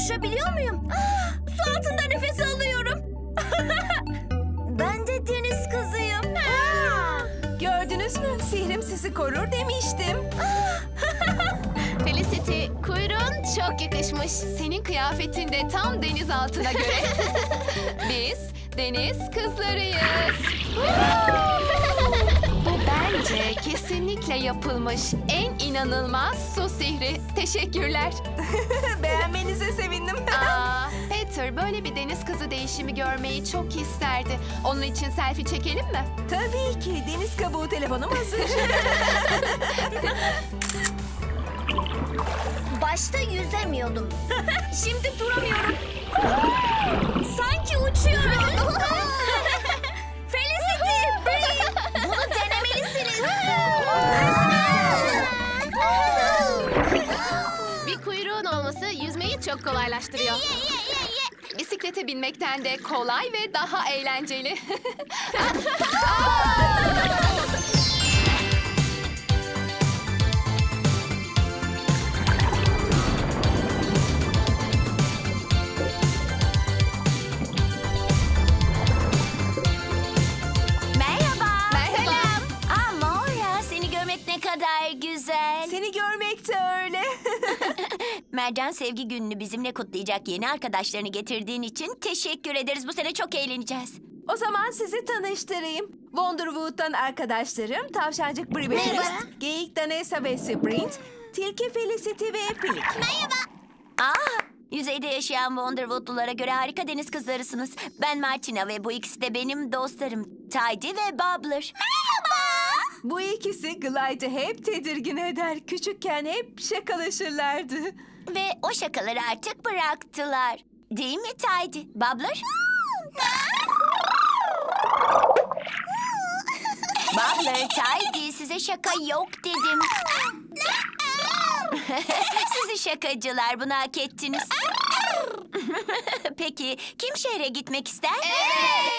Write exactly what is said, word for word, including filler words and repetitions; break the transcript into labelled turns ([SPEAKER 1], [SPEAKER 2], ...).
[SPEAKER 1] konuşabiliyor muyum? Ah, su altında nefes alıyorum. Ben de deniz kızıyım.
[SPEAKER 2] Gördünüz mü? Sihrim sizi korur demiştim.
[SPEAKER 3] Felicity, kuyruğun çok yakışmış. Senin kıyafetin de tam deniz altına göre. Biz deniz kızlarıyız. Bu bence kesinlikle yapılmış en inanılmaz su sihri. Teşekkürler.
[SPEAKER 2] Beğenmenize sevindim.
[SPEAKER 3] Aa, Peter böyle bir deniz kızı değişimi görmeyi çok isterdi. Onun için selfie çekelim mi?
[SPEAKER 2] Tabii ki. Deniz kabuğu telefonum hazır.
[SPEAKER 1] Başta yüzemiyordum. Şimdi duramıyorum. Sanki uçuyorum. Felicity, Bree, bunu denemelisiniz.
[SPEAKER 3] Bir kuyruğun olması yüzmeyi çok kolaylaştırıyor. Bisiklete binmekten de kolay ve daha eğlenceli.
[SPEAKER 1] Merhaba.
[SPEAKER 3] Merhaba.
[SPEAKER 1] Aa, Maura, seni görmek ne kadar güzel.
[SPEAKER 2] Seni görmek de öyle.
[SPEAKER 1] Mercan Sevgi Günü'nü bizimle kutlayacak yeni arkadaşlarını getirdiğin için teşekkür ederiz. Bu sene çok eğleneceğiz.
[SPEAKER 2] O zaman sizi tanıştırayım. Wonderwood'dan arkadaşlarım Tavşancık Brie
[SPEAKER 1] Merhaba.
[SPEAKER 2] Becerist, Geyik Danessa ve Sprint, Tilki Felicity ve Pilik.
[SPEAKER 1] Aa, yüzeyde yaşayan Wonderwood'lulara göre harika deniz kızlarısınız. Ben Martina ve bu ikisi de benim dostlarım. Tidy ve Bubbler. Merhaba.
[SPEAKER 2] Bu ikisi Glide'ı hep tedirgin eder. Küçükken hep şakalaşırlardı.
[SPEAKER 1] Ve o şakaları artık bıraktılar. Değil mi Tidy? Bubbler? Bubbler, Tidy, size şaka yok dedim. Sizi şakacılar, bunu hak ettiniz. Peki, kim şehre gitmek ister?